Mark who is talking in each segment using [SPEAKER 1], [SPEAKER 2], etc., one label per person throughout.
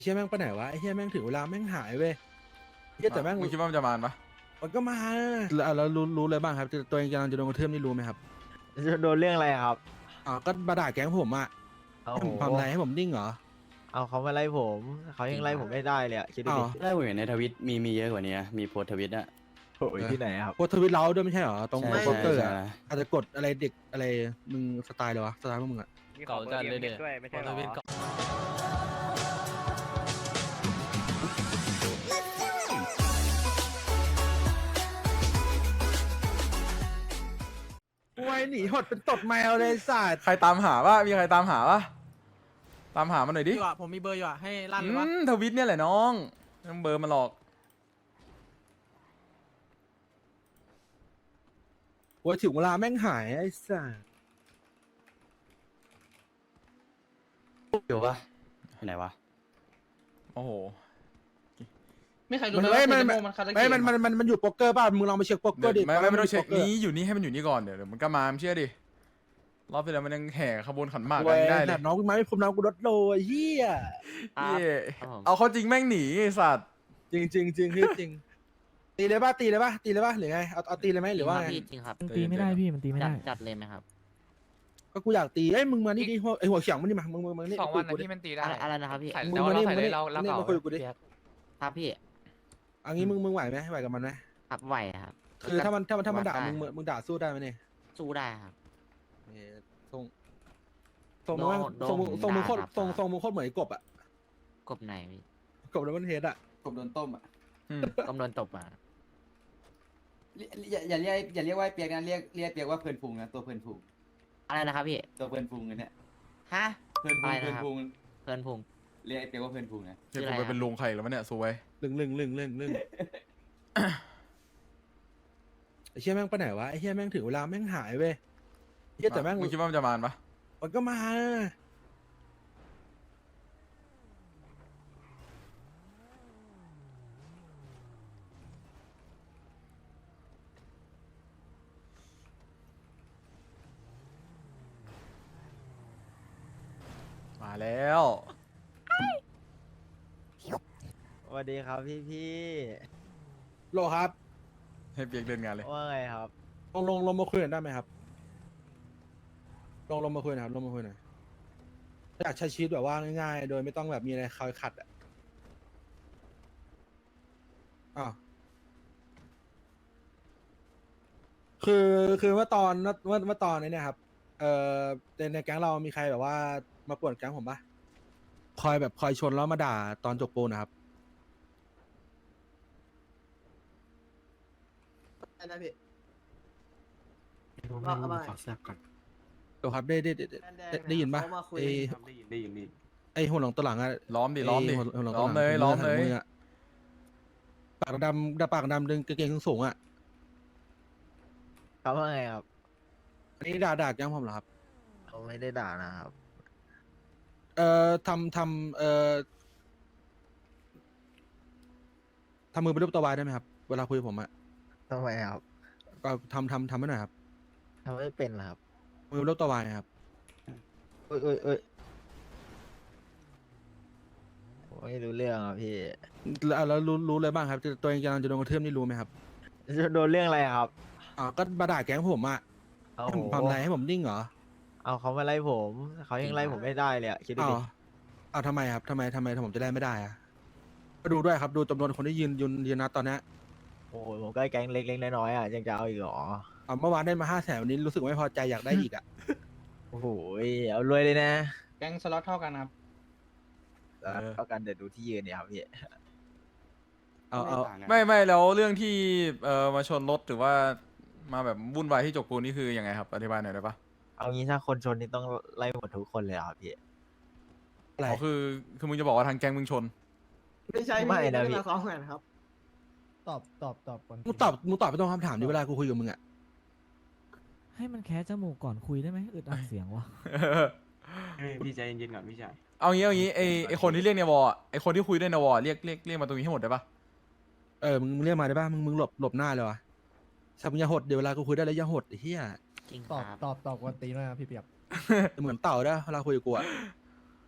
[SPEAKER 1] เฮียแม่งไปไหนวะไอ้เฮียแม่งถึงเวลาแม่งหายเว้ยเฮียแต่แม่ง
[SPEAKER 2] มึงคิดว่ามันจะมาปะ
[SPEAKER 1] มันก็มาแล้วรู้เลยบ้างครับตัวเองกำลังจะโดนกระทืบนี่รู้ไหมครับ
[SPEAKER 3] จะโดนเรื่องอะไรอะครับ
[SPEAKER 1] ก็มาด่าแก๊งผมอ่ะ
[SPEAKER 3] เอา
[SPEAKER 1] ให้ผมทำอะไรให้ผมนิ่งเหรอ
[SPEAKER 3] เอาเขามาไล่ผมเขายังไล่ผมไม่ได้เลยอะคิดดู
[SPEAKER 1] อ้าว
[SPEAKER 3] ดิ
[SPEAKER 4] ได้ผมเห็นในทวิตมีเยอะกว่านี้นะมีโพสต์ทวิตอะ
[SPEAKER 3] โอ้ยที่ไหนอะครับ
[SPEAKER 1] โพสต์ทวิตเราด้วยไม่ใช่เหรอตรง
[SPEAKER 4] ใช่
[SPEAKER 1] โปสเตอร์
[SPEAKER 4] ใช่
[SPEAKER 1] อะอาจจะกดอะไรเด็กอะไรมึงสไตล์เลยวะสไตล์พวกมึงอะ
[SPEAKER 5] เก่าจัดเลยเด็ดด้วยไม่ใช่หรอ
[SPEAKER 1] ไว้หนีหดเป็นตดแมวเลยสัตว์
[SPEAKER 2] ใครตามหาปะมีใครตามหาปะตามหามันหน่อยดิ
[SPEAKER 6] อยู่อ่ะผมมีเบอร์อยู่อ่ะให้ลั่นเลยวะ
[SPEAKER 2] ทวิตเนี่ยแหละน้องไม่ต้องเบอร์มาหรอก
[SPEAKER 1] ว่าถึงเวลาแม่งหายไอ้สัตว์
[SPEAKER 4] อยู่ปะไปไหนวะ
[SPEAKER 2] โอ้โห
[SPEAKER 6] ไม่ใครรู้
[SPEAKER 1] มัน
[SPEAKER 6] เลย
[SPEAKER 1] ไม่
[SPEAKER 6] ว่า
[SPEAKER 1] มัน
[SPEAKER 6] เทโมมันคาราเก
[SPEAKER 1] ไม่
[SPEAKER 6] ะ
[SPEAKER 1] มันอยู่โป๊กเกอร์ป่ะมึงลองไปเช็คโป๊กเกอ
[SPEAKER 2] เดี๋ยว
[SPEAKER 1] ร์ดิ
[SPEAKER 2] ไม่ต้องเช็ค
[SPEAKER 1] โป๊กกอร์
[SPEAKER 2] นี้อยู่นี่ให้มันอยู่นี่ก่อนเดี๋ยวมันก็มาเชื่อดิรอบที่แล้วมันยังแห่ขบวนขันหมาก
[SPEAKER 1] เว้
[SPEAKER 2] กั
[SPEAKER 1] ย
[SPEAKER 2] นได้เล
[SPEAKER 1] แต่
[SPEAKER 2] ย
[SPEAKER 1] น้องกูมาไม่พรมน้องกูรถโลไอ้เหี้ย
[SPEAKER 2] เหี้ยเอาเข้าจริงแม่งหนีไอ้สัตว์
[SPEAKER 1] จริงจริงจริงพี่จริงตีเลยป่ะตีเลยป่ะตีเลยป่ะหรือไงเอาตีเลยไหมหรือว่าไง
[SPEAKER 7] จริงครับ
[SPEAKER 2] มันตีไม่ได้พี่
[SPEAKER 7] มันตีไม่ได้จัดเลยไหมครับ
[SPEAKER 1] ก็กูอยากตีเอ้ยมึงมานี่ดิไอหัวเฉียงมันนี่มามึงนี่
[SPEAKER 5] 2 วัน
[SPEAKER 1] คุ
[SPEAKER 5] นะ
[SPEAKER 1] ยกูดิ
[SPEAKER 5] ที่มันตีได้
[SPEAKER 7] อะไรนะครับพี่
[SPEAKER 5] ใส่
[SPEAKER 1] มึง
[SPEAKER 5] แต่ว่า
[SPEAKER 1] มานี่
[SPEAKER 5] เรา
[SPEAKER 1] มึง
[SPEAKER 5] ใส่
[SPEAKER 1] มา
[SPEAKER 5] ได้
[SPEAKER 1] นี่
[SPEAKER 5] เรา
[SPEAKER 1] นี่
[SPEAKER 5] เก่า
[SPEAKER 1] มาคุยกูดิ
[SPEAKER 7] ครับพี่
[SPEAKER 1] อันนี้มึงไหวไหมไหวกับมันไหม
[SPEAKER 7] ครับไหวครับ
[SPEAKER 1] คือถ้ามันด่า
[SPEAKER 7] ได้
[SPEAKER 1] มึงด่าสู้ได้ไหมเนี่ย
[SPEAKER 7] สู้ได้ครับ
[SPEAKER 1] ทรงมึงแม่ง
[SPEAKER 7] โดน
[SPEAKER 1] ทรงมึงโคตร
[SPEAKER 7] ด่าครับ
[SPEAKER 1] ทรงมึงโคตรเหมือนไอ้กบอ่ะ
[SPEAKER 7] กบไหนพี่
[SPEAKER 1] กบแล้วมันเฮดอ่ะ
[SPEAKER 4] กบโดนต้มอะ
[SPEAKER 2] อืม
[SPEAKER 7] กำโดนตบอ่ะ
[SPEAKER 4] อย่าเรียกว่าเปียกนะเรียกเปียกว่าเพลินพุงนะตัวเพลินพุง
[SPEAKER 7] อะไรนะครับพี่
[SPEAKER 4] ตัวเพลินพุงอันเนี่ย
[SPEAKER 7] ฮะ
[SPEAKER 4] เพลินพุ
[SPEAKER 7] อะ
[SPEAKER 4] ง
[SPEAKER 7] ไร
[SPEAKER 4] เพลิ
[SPEAKER 7] นะ
[SPEAKER 4] น
[SPEAKER 7] ครับ
[SPEAKER 4] พุง
[SPEAKER 7] เพลินพุง
[SPEAKER 4] เรียกไอ้เปียกว่าเพลินพุงนะ
[SPEAKER 2] เดี๋ยวกูไปเป็นลุงใครแล้ววะเนี่ยสวย
[SPEAKER 1] ลึงไอ้เชี่ยแม่งไปไหนวะไอ้เชี่ยแม่งถึงเวลาแม่งหายเว้ยเชี่ยแต่แม่ง
[SPEAKER 2] มึงคิดว่ามันจะมาปะ
[SPEAKER 1] มันก็มา
[SPEAKER 2] มาแล้ว
[SPEAKER 3] สวัสดีครับพี่
[SPEAKER 1] โลครับ
[SPEAKER 2] ให้เปียกเดินงานเลย
[SPEAKER 3] ว่าไงครับ
[SPEAKER 1] ลงมาคุยกันได้ไหมครับลงมาคุยหน่อยครับลงมาคุยหน่อยอยากใช้ชีวิตแบบว่าง่ายๆ โดยไม่ต้องแบบมีอะไรคอยขัดอ่ะอ้าวคือเมื่อตอนเมื่อตอนนี้เนี่ยครับในแก๊งเรามีใครแบบว่ามาป่วนแก๊งผมปะคอยชนแล้วมาด่าตอนจบปูนนะครับ
[SPEAKER 6] นะพี่
[SPEAKER 4] ว่าเอามาขอแซบก่อน
[SPEAKER 1] เดี๋ยวครับได้ยินปะไอ
[SPEAKER 4] ได้ยิน
[SPEAKER 1] ไอหัวหลงตัวหลังอะ
[SPEAKER 2] ล้อมดิล้อมดิ
[SPEAKER 1] หัวหลง
[SPEAKER 2] ล้
[SPEAKER 1] ตัว
[SPEAKER 2] อม
[SPEAKER 1] หลัง
[SPEAKER 2] เลยล้อมเลย
[SPEAKER 1] งอะปากดำดึงกางเกงสูงๆอะ
[SPEAKER 3] เขาว่าไงครับ
[SPEAKER 1] อันนี้ด่าแก๊งผมเหรอครับ
[SPEAKER 3] เขาไม่ได้ด่านะครับ
[SPEAKER 1] ทำมือเป็นรูปตัววายได้ไหมครับ เวลาคุยกับผมอะ
[SPEAKER 3] ทำไมครับ
[SPEAKER 1] ก็ทำให้หน่อยครับ
[SPEAKER 3] ทำไม่เป็นเหรอครับ
[SPEAKER 1] มือเป็นรูปตัววายครับ
[SPEAKER 3] เอ้ยผมไม่รู้เรื่องอ่ะพี่
[SPEAKER 1] แล้วรู้เลยบ้างครับตัวเองกำลังจะโดนกระทืบนี่รู้ไหมครับ
[SPEAKER 3] จะโดนเรื่องอะไรอะครับ
[SPEAKER 1] ก็มาด่าแก๊งผมอะ
[SPEAKER 3] เอา
[SPEAKER 1] ให้ผมทำอะไรให้ผมนิ่งเหรอ
[SPEAKER 3] เอาเขามาไล่ผมเขายังไล่ผมไม่ได้เลยอะคิดดู
[SPEAKER 1] อ้าว
[SPEAKER 3] ดิ
[SPEAKER 1] อ้าวทำไมครับทำไมผมจะได้ไม่ได้อะก็ดูด้วยครับดูจำนวนคนที่ยืนนัดตอนเนี้ย
[SPEAKER 3] โอ้โหผมก็แก๊งเล็กๆน้อยๆอ่ะยังจะเอาอีกเหรอ
[SPEAKER 1] เมื่อวานได้มา500,000วันนี้รู้สึกไม่พอใจอยากได้อีกอะ
[SPEAKER 3] โอ้โหเอารวยเลยนะ
[SPEAKER 6] แก๊งสล็อตเท่ากันครับ
[SPEAKER 3] เท่ากันเดี๋ยวดูที่ยืนเนี่ยครับพี่
[SPEAKER 1] เอา
[SPEAKER 2] ไม่แล้วเรื่องที่มาชนรถหรือว่ามาแบบวุ่นวายที่จกปูนนี่คือยังไงครับอธิบายหน่อยได้ปะ
[SPEAKER 3] เอางี้ถ้าคนชนนี่ต้องไล่หมดทุกคนเลยเหรอครับพี่
[SPEAKER 1] อะไร
[SPEAKER 2] อ๋อคือมึงจะบอกว่าทางแก๊งมึงชน
[SPEAKER 6] ไม่ใช่
[SPEAKER 3] ไม่นะพี่
[SPEAKER 6] มาซ้อมกันครับ
[SPEAKER 8] ตอบก่อน
[SPEAKER 1] มึงตอบไปตรงคำถามนี้เวลากูคุยกับมึงอะ
[SPEAKER 8] ให้มันแคะจมูกก่อนคุยได้ไหมอึดอัดเสียงวะ
[SPEAKER 4] พี่ใจเย็นๆก่อนพี่ชาย
[SPEAKER 2] เอางี้ไอคนที่เรียกในวอลอะไอคนที่คุยด้วยในวอลเรียกมาตรงนี้ให้หมดได้ปะ
[SPEAKER 1] มึงเรียกมาได้ป่ะมึงหลบหน้าเลยวะสับมึงอย่าหดเดี๋ยวเวลากูคุยได้แล้วอย่าหดไอ้เหี้ย
[SPEAKER 7] จริงค
[SPEAKER 8] ตอบ
[SPEAKER 7] รับ
[SPEAKER 8] ตอบกวนตีนหน่อยนะพี่เปียก
[SPEAKER 1] เหมือนเต่าได้เวลาคุยกับกูอะ
[SPEAKER 7] ใช่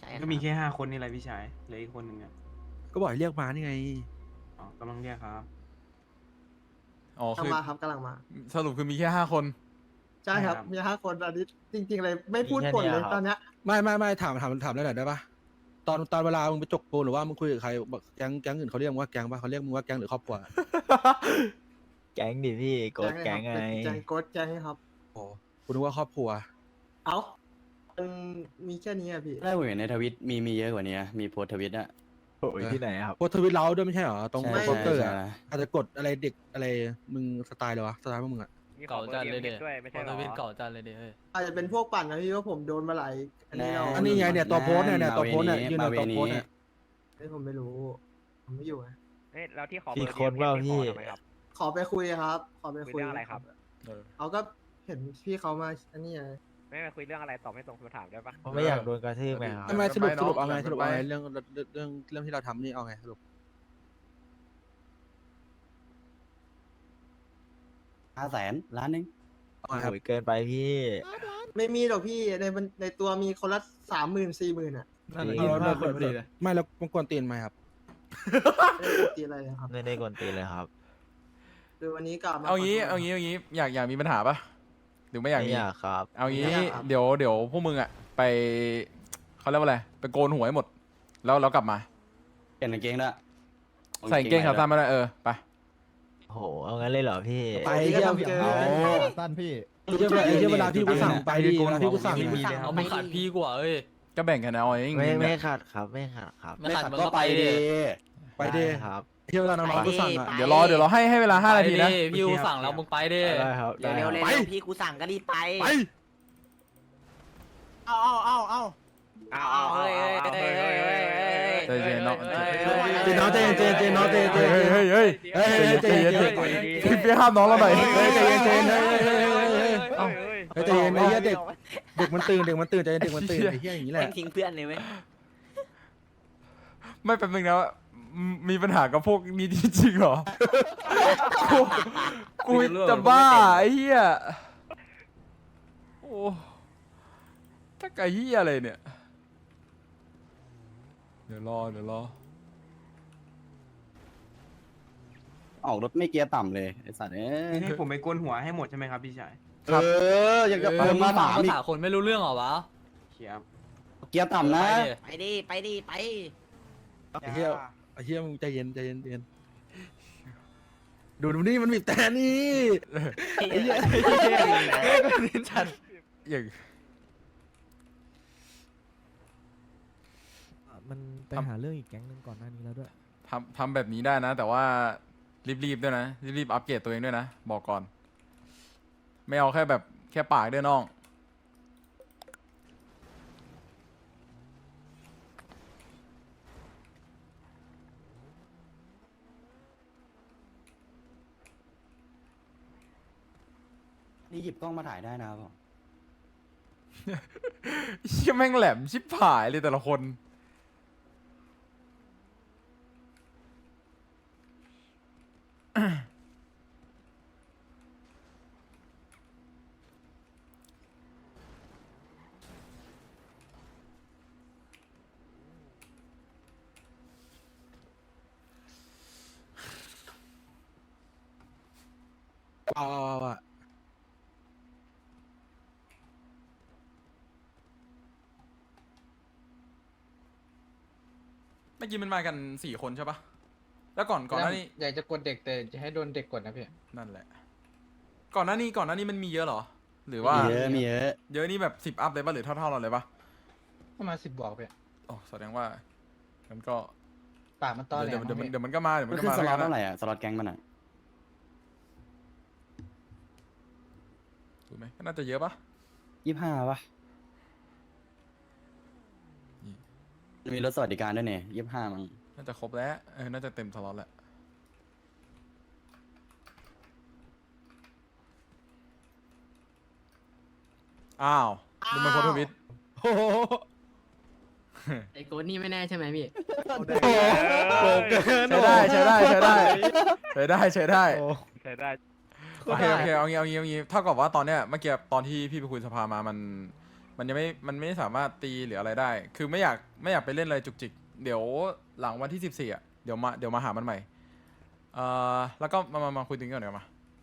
[SPEAKER 9] ก็มีแค่5 คนนี่แหละพี่ชายเหลืออีกคนหนึ่งอ่ะ
[SPEAKER 1] ก็บอกให้เรียกมานี่ไง
[SPEAKER 9] อ๋อกำลังเรียกครับ
[SPEAKER 2] อ๋อคือก
[SPEAKER 6] ำลังมาครับกำลังมา
[SPEAKER 2] สรุปคือมีแค่5 คน
[SPEAKER 6] ใช่ครับ
[SPEAKER 9] ใช่ครับ
[SPEAKER 6] มี5 คนอันนี้จริงๆเลยไม่พูดกดเลยตอนเนี้ย
[SPEAKER 1] ไม่ถามได้หน่อยได้ปะตอนเวลามึงไปจกปูนหรือว่ามึงคุยกับใครบอกแก๊งอื่นเขาเรียกมึงว่าแก๊งปะเขาเรียกมึงว่าแก๊งหรือครอบครัว
[SPEAKER 3] แก๊งดิพี่โกดแก๊งไง
[SPEAKER 6] แก๊งโกดแก๊งครับ
[SPEAKER 1] โอ้คุณนึกว่าครอบครัว
[SPEAKER 6] เอ้ามันมีแค่นี้อะพี่
[SPEAKER 10] ได้ผมเห็นในทวิตมีเยอะกว่านี้นะมีโพสต์ทวิตอะ
[SPEAKER 3] โอ้ยที่ไหนครับ
[SPEAKER 1] โพสต์ทวิตเราด้วยไม่ใช่เหรอตรง
[SPEAKER 10] ใช่
[SPEAKER 1] โปสเตอร์
[SPEAKER 10] ใช่
[SPEAKER 1] อะ
[SPEAKER 10] ใช่
[SPEAKER 1] อาจจะกดอะไรเด็กอะไรมึงสไตล์เลยวะสไตล์พวกมึงอะ
[SPEAKER 5] เก่าจัดเลยเด็ด้วยไม่ใช่หรอเก่าจัดเลยเด็
[SPEAKER 6] อาจจะเป็นพวกปั่นนะพี่ว่าผมโดนมาหลายอันนี้เรา
[SPEAKER 1] อันนี้ไงเนี่ยตัวโพสต์เนี่ยตัวโพสต์เนี่ยยืนตัวโพสต์เนี่ย
[SPEAKER 6] เฮ้ยผมไม่รู้ผมไม่อยู่ไง
[SPEAKER 5] เฮ้ยแล้วที่ขอ
[SPEAKER 3] พี่คนว่าพี่
[SPEAKER 6] ขอไปคุยครับ ขอไป
[SPEAKER 5] คุย
[SPEAKER 6] คุย
[SPEAKER 5] เรื่องอะไรครับ
[SPEAKER 6] เขาก็เห็นพี่เขามาอันนี้ไง
[SPEAKER 5] ไม่มาคุยเรื่องอะไรตอบไม่ตรงคำถามได้ปะ
[SPEAKER 3] ผมไม่อยากโดนกระทืบไงครับ
[SPEAKER 1] ทำไมสรุป
[SPEAKER 2] ไปเนอะ
[SPEAKER 1] เอาไง
[SPEAKER 2] ไป
[SPEAKER 1] สรุปเอาไงเรื่องที่เราทำนี่เอาไงสรุป
[SPEAKER 10] 500,000 ล้านหนึง
[SPEAKER 1] เอาไงครับ
[SPEAKER 3] โอ้ยเกินไปพี่
[SPEAKER 6] ไม่มีหรอกพี่ในตัวมีคนละ30,000-40,000อ่ะ
[SPEAKER 3] นั่นแหละ
[SPEAKER 1] เราคนพอดีเลยไม่แล้วมันกวนตีนไหมครับ
[SPEAKER 6] ไม่ได้ตีอะไรเลยครับ
[SPEAKER 3] ไม่ได้กวนตีนเลยครับ
[SPEAKER 6] คือวันนี้กลับมา
[SPEAKER 2] เอางี้
[SPEAKER 6] ขโทษ
[SPEAKER 2] เอางี้อยากมีปัญหาปะหรือไม่อยาก
[SPEAKER 3] ไม่
[SPEAKER 2] มี
[SPEAKER 3] อยากครับ
[SPEAKER 2] เอางี้
[SPEAKER 6] ไม่อยากครับ
[SPEAKER 2] เดี๋ยวพวกมึงอะไปเขาเรียกว่าอะไรไปโกนหัวให้หมด แล้วกลับมา
[SPEAKER 10] เปลี่ยนกางเกงด้วย
[SPEAKER 2] ใส่กางเกงขาสั้นมาเลยไป
[SPEAKER 3] โอ้โหเอางั้นเลยเหรอพี่
[SPEAKER 1] ไป
[SPEAKER 6] พี่ก็
[SPEAKER 1] เยี่ยม
[SPEAKER 6] ทำเกิน
[SPEAKER 8] สั้นพี่
[SPEAKER 1] เวลาพี่กูสั่งไปดีเวลาพี่กูสั่ง
[SPEAKER 9] มี
[SPEAKER 1] เนี่ย
[SPEAKER 9] เลยครับ
[SPEAKER 5] เอาไม่ขัดพี่กว่าเอ้ย
[SPEAKER 2] ก็แบ่งกันเอาเอง
[SPEAKER 3] ไม่ขัดครับไม่ขัดครับ
[SPEAKER 5] ไม่ขัดมัน
[SPEAKER 10] ก็
[SPEAKER 5] ก็
[SPEAKER 10] ไป
[SPEAKER 5] ไป
[SPEAKER 10] ดี
[SPEAKER 5] ดิ
[SPEAKER 1] ไปดี
[SPEAKER 3] ด้ครับ
[SPEAKER 1] เที่ยวเวลาน้องๆกูสั่งอ่ะ
[SPEAKER 7] ไป
[SPEAKER 2] เดี๋ยวรอให้เวลา5 นาทีนะ
[SPEAKER 5] พี่กูสั่งแล้วมึงไปดิ
[SPEAKER 3] ได้ครับได้
[SPEAKER 7] เร็ว
[SPEAKER 3] ค
[SPEAKER 7] ๆ
[SPEAKER 3] รับ
[SPEAKER 7] เร็วๆพี่กูสั่งก็รีบไป
[SPEAKER 1] ไป
[SPEAKER 5] เอาเฮ้ย
[SPEAKER 2] ใจเย็นเนาะ
[SPEAKER 1] เจนน้องเจนน้องเจน
[SPEAKER 2] เฮ้ยใจเย็นพี่เปี๊ยกห้ามน้องเราหน่อย
[SPEAKER 1] ใจเย็นใจเย็นไอ้เหี้ยเด็กมันตื่นใจเย็นเด็กมันตื่นไอ้เหี้ยอย่างนี้แหละ
[SPEAKER 7] ทิ้งเพื่อนเลยไหม
[SPEAKER 2] ไม่เป็นมึงนะมีปัญหากับพวกนี้จริงๆเหรอกูจะบ้าไอ้เหี้ยโอ้ถ้าไก่เหี้ยอะไรเนี่ยเดี๋ยวรอ
[SPEAKER 10] ออกรถไม่เกียร์ต่ำเลยไอ้สัตว์เอ้ย
[SPEAKER 9] ให้ผมไปโกนหัวให้หมดใช่ไหมครับพี่ชาย
[SPEAKER 10] อยากจะเพิ่มมาถาม
[SPEAKER 5] ภา
[SPEAKER 10] อีก
[SPEAKER 5] ษาคนไม่รู้เรื่องเหรอวะ
[SPEAKER 9] เขียบ
[SPEAKER 10] เกียร์ต่ำนะ
[SPEAKER 7] ไปดิไป
[SPEAKER 1] ไอ้เหี้ยมึงใจเย็นดูนี่มันบีบแต่นี่ไอ้เหี้ย
[SPEAKER 2] อย่าง
[SPEAKER 8] มันไปหาเรื่องอีกแก๊งหนึ่งก่อนหน้านี้แล้วด้วย
[SPEAKER 2] ทำแบบนี้ได้นะ แต่ว่ารีบด้วยนะรีบอัปเกรดตัวเองด้วยนะบอกก่อน ไม่เอาแค่ปากด้วยน้อง
[SPEAKER 10] นี่หยิบกล้องมาถ่ายได้นะครับผม
[SPEAKER 2] เชี่ยแม่งแหลมชิบหายเลยแต่ละคน
[SPEAKER 1] เอาอ่ะ
[SPEAKER 2] เมื่อกี้มันมากัน4 คนใช่ปะแล้วก่อนหน้านี้
[SPEAKER 6] อยากจะกดเด็กแต่จะให้โดนเด็กกดนะพี่
[SPEAKER 2] นั่นแหละ ก่อนหน้านี้มันมีเยอะเหรอ หรือว่า
[SPEAKER 10] มีเยอะ
[SPEAKER 2] เยอะนี่แบบ10 อัพเลยปะหรือเท่าเราเลยปะ
[SPEAKER 6] ประมาณ10 บวกพี่
[SPEAKER 2] โอ้แสดงว่ามันก็
[SPEAKER 6] ปากมันตอแหล
[SPEAKER 2] เดี๋ยวมันก็มา
[SPEAKER 10] มันขึ้นสล็อตเท่าไหร่อ่ะสล็อตแก๊งมันอ่ะ
[SPEAKER 2] ถูกไหมก็น่าจะเยอะปะ
[SPEAKER 10] 25ป่ะมีรถสวัสดิการด้วยเนี่ย25มั้ง
[SPEAKER 2] น่าจะครบแล้วน่าจะเต็มสล็อตแล้วอ้าวดูมันโพสต์ทวิต
[SPEAKER 1] โอ้โห
[SPEAKER 7] ไอ้โกนี่ไม่แน่ใช่ไหมพี่
[SPEAKER 1] โกเกิน
[SPEAKER 2] ใช้ได้โอเคโอเคเอางี้เท่ากับว่าตอนเนี้ยเมื่อกี้ตอนที่พี่ไปคุยสภามามันมันไม่สามารถตีหรืออะไรได้ คือไม่อยากไปเล่นอะไรจุกจิกเดี๋ยวหลังวันที่14อ่ะเดี๋ยวมาหามันใหม่แล้วก็มาคุยตรงนี้ก่อนเดี๋ยวมา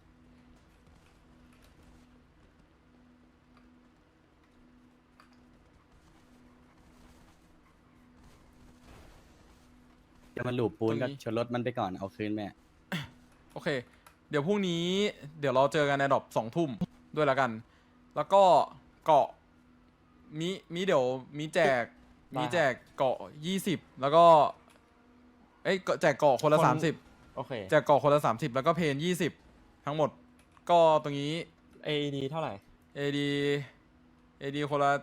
[SPEAKER 10] จะมาหลูบปูน
[SPEAKER 2] ตรงนี้
[SPEAKER 10] ก็ชนรถมันไปก่อนเอาคืนแม่
[SPEAKER 2] โอเค เดี๋ยวพรุ่งนี้เดี๋ยวเราเจอกันในดรอป2 ทุ่มด้วยละกัน แล้วก็เกาะมีเดี๋ยวมีแจกเกาะ20แล้วก็แจกเกาะคนละ30
[SPEAKER 3] โอเค
[SPEAKER 2] แจกเกาะคนละ30แล้วก็เพน20ทั้งหมดก็ตรงนี้
[SPEAKER 3] AED เท่าไหร่
[SPEAKER 2] AD คนละ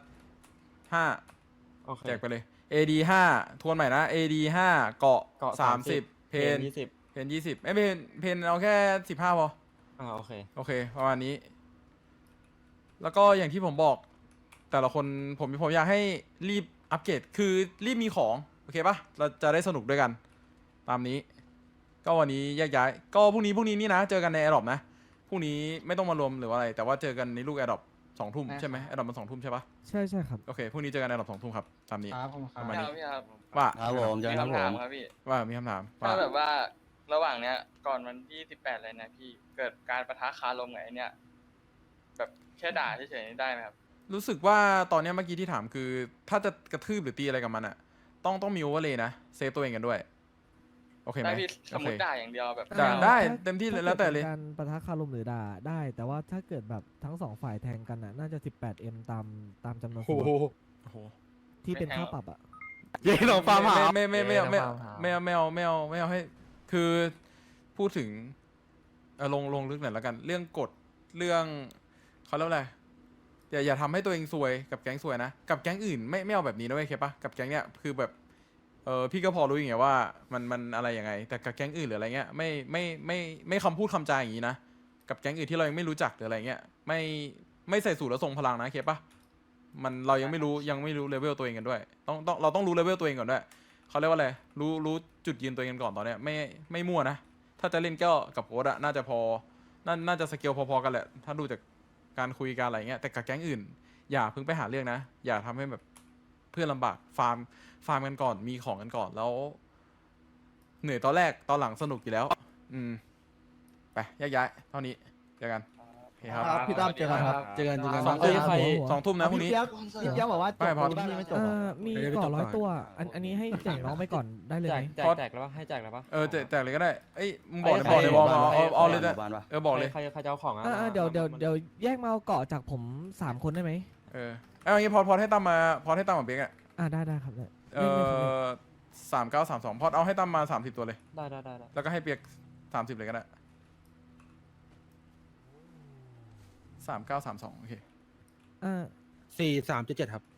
[SPEAKER 2] 5
[SPEAKER 3] โอเค
[SPEAKER 2] แจกไปเลย AD 5ทวนใหม่นะ AD 5เกาะ30เพน
[SPEAKER 3] 20
[SPEAKER 2] เพน20ไม่เพนเอาแค่15พอ
[SPEAKER 3] โอเค
[SPEAKER 2] โอเคประมาณนี้ แล้วก็อย่างที่ผมบอก แต่ละคนผมอยากให้รีบอัปเกรดคือรีบมีของโอเคปะเราจะได้สนุกด้วยกัน ตามนี้ ก็วันนี้แยกย้ายก็พรุ่งนี้นี่นะเจอกันใน Adopt นะพรุ่งนี้ไม่ต้องมารวมหรือว่าอะไร แต่ว่าเจอกันในลูก Adopt 2 ทุ่มใช่ไหม Adopt มัน2 ทุ่มใช่ปะ
[SPEAKER 8] ใช่ครับ
[SPEAKER 2] โอเคพรุ่งนี้เจอกัน Adopt 2 ทุ่มครับตามนี้
[SPEAKER 4] ครับผมค
[SPEAKER 2] ป
[SPEAKER 4] รับ
[SPEAKER 2] ระมาณนี้
[SPEAKER 11] พี่ครับ
[SPEAKER 2] ว่า
[SPEAKER 10] ครับผมเจอกันครับผม
[SPEAKER 11] ครับพี่
[SPEAKER 2] ว่ามีคำถาม
[SPEAKER 11] ถ้า
[SPEAKER 2] ว่า
[SPEAKER 11] แบบว่าระหว่างเนี้ยก่อนวันที่18เลยนะพี่เกิดการประทะคารมกับไอ้เนี่ยแบบแค่ด่าเฉยๆนี่ได้ไหมครับ
[SPEAKER 2] รู้สึกว่าตอนเนี้ยเมื่อกี้ที่ถามคือ ถ้าจะกระทืบหรือตีอะไรกับมันอะต้องมีโอเวอร์เลยนะเซฟตัวเองกันด้วยโอเคไหม
[SPEAKER 11] ได้พี่ส
[SPEAKER 2] โอ
[SPEAKER 11] ม
[SPEAKER 2] เค
[SPEAKER 11] มติด่าอย่างเดียวแบบ
[SPEAKER 2] ด่าได้
[SPEAKER 8] ถ้า
[SPEAKER 2] เต็มที่เลย
[SPEAKER 8] ถ้า
[SPEAKER 2] แล้วแต่เลย
[SPEAKER 8] กิดการปะทะคารมหรือด่าได้ แต่ว่าถ้าเกิดแบบทั้งสองฝ่ายแทงกันน่ะน่าจะ 18M ตามจำนวน
[SPEAKER 1] โอ้
[SPEAKER 8] ส่วน
[SPEAKER 1] โห
[SPEAKER 2] โอ้โห
[SPEAKER 8] ที่เป็นค่าปรับอ่ะ
[SPEAKER 10] เย้หลงฟาร์มหา
[SPEAKER 2] ไม่เอาให้คือพูดถึงลงลึกหน่อยแล้วกัน เรื่องกฎเรื่องเขาเรียกว่าอะไรอย่าทำให้ตัวเองซวยกับแก๊งซวยนะกับแก๊งอื่นไม่เอาแบบนี้นะเว้ยเคปะกับแก๊งเนี้ยคือแบบพี่ก็พอรู้อย่างเงี้ยว่ามันอะไรยังไง แต่กับแก๊งอื่นหรืออะไรเงี้ยไม่คำพูดคำจาอย่างนี้นะกับแก๊งอื่นที่เรายังไม่รู้จักหรืออะไรเงี้ยไม่ใส่สูตรแล้วทรงพลังนะเคปะเรายังไม่รู้เลเวลตัวเองกันด้วยเราต้องรู้เลเวลตัวเองก่อนด้วยเขาเรียกว่าอะไรรู้จุดยืนตัวเองกันก่อนตอนเนี้ยไม่มั่วนะถ้าจะเล่นก็กับโค้ดอะน่าจะพอน่าจะสเกลพอๆกันแหละถ้าดูจากการคุยกันอะไรเงี้ยแต่กับแก๊งอื่นอย่าเพิ่งไปหาเรื่องนะอย่าทำให้แบบเพื่อนลำบากฟาร์มกันก่อนมีของกันก่อนแล้วเหนื่อยตอนแรกตอนหลังสนุกอยู่แล้วไปแยกย้ายเท่านี้เจอกันโอเคครับ
[SPEAKER 1] ครับพี่ตั้มเจอกันครับเจอกัน
[SPEAKER 2] สองทุ่ม2 ทุ่มนะพรุ่งนี้
[SPEAKER 3] พี่เปี๊ยกบอกว่าจบ
[SPEAKER 2] ไม่พอ
[SPEAKER 3] ตรงนี้ไม่จบ
[SPEAKER 8] มีก่อ100 ตัว อันนี้ให้แจกน้องไปก่อนได้เลยไหม
[SPEAKER 3] แจกแล้วปะให้แจกแล้วปะ
[SPEAKER 2] แจกเลยก็ได้เอ้ยมึงบอกเลยบอกมาเอาเลยนะ
[SPEAKER 10] บ้านปะ
[SPEAKER 2] บอกเลย
[SPEAKER 3] ใครจะเอาของอ่ะ
[SPEAKER 8] เดี๋ยวแยกมาเอาเกาะจากผม3 คนได้ไหม
[SPEAKER 2] เอาอย่างงี้พอให้ตั้มมาเปียกอ่ะ
[SPEAKER 8] ได้ครับได้
[SPEAKER 2] 3932พอเอาให้ตั้มมา30 ตัวเลย
[SPEAKER 3] ได้
[SPEAKER 2] แล้วก็ให้เปียก30เลยก็ได้3932โอเค
[SPEAKER 1] 4377ครับ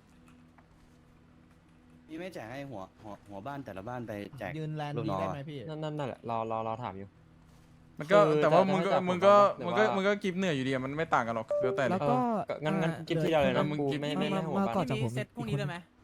[SPEAKER 10] พี่ไม่แจกให้หัวบ้านแต่ละบ้านไปแจก
[SPEAKER 3] ยืนแลนด์
[SPEAKER 10] ลูก
[SPEAKER 3] นี้
[SPEAKER 10] น้อง
[SPEAKER 3] ได้
[SPEAKER 10] อะ
[SPEAKER 3] ไหมพี่นั่นแหละเราถามอยู่
[SPEAKER 2] มันก็
[SPEAKER 3] คือ
[SPEAKER 2] แต่ว่า
[SPEAKER 3] จะ
[SPEAKER 2] มึงก็
[SPEAKER 3] ให้จับ
[SPEAKER 2] มึงก็
[SPEAKER 3] ผม
[SPEAKER 2] มึง
[SPEAKER 3] ว่า
[SPEAKER 2] ก็มึงก็กิฟเหนื่อยอยู่ดีอะมันไม่ต่างกันหรอกแล้วแต่เล
[SPEAKER 8] แล้
[SPEAKER 2] ยว
[SPEAKER 8] ก็
[SPEAKER 3] งั้นกินที่เราเลยนะ
[SPEAKER 2] มึง
[SPEAKER 3] กู
[SPEAKER 2] กิน
[SPEAKER 3] ไม่ให้
[SPEAKER 8] มา
[SPEAKER 3] หัว
[SPEAKER 8] มา
[SPEAKER 3] บ้าน
[SPEAKER 8] เกาะจากผม
[SPEAKER 5] เซตพรุ่งนี้ได้ไหม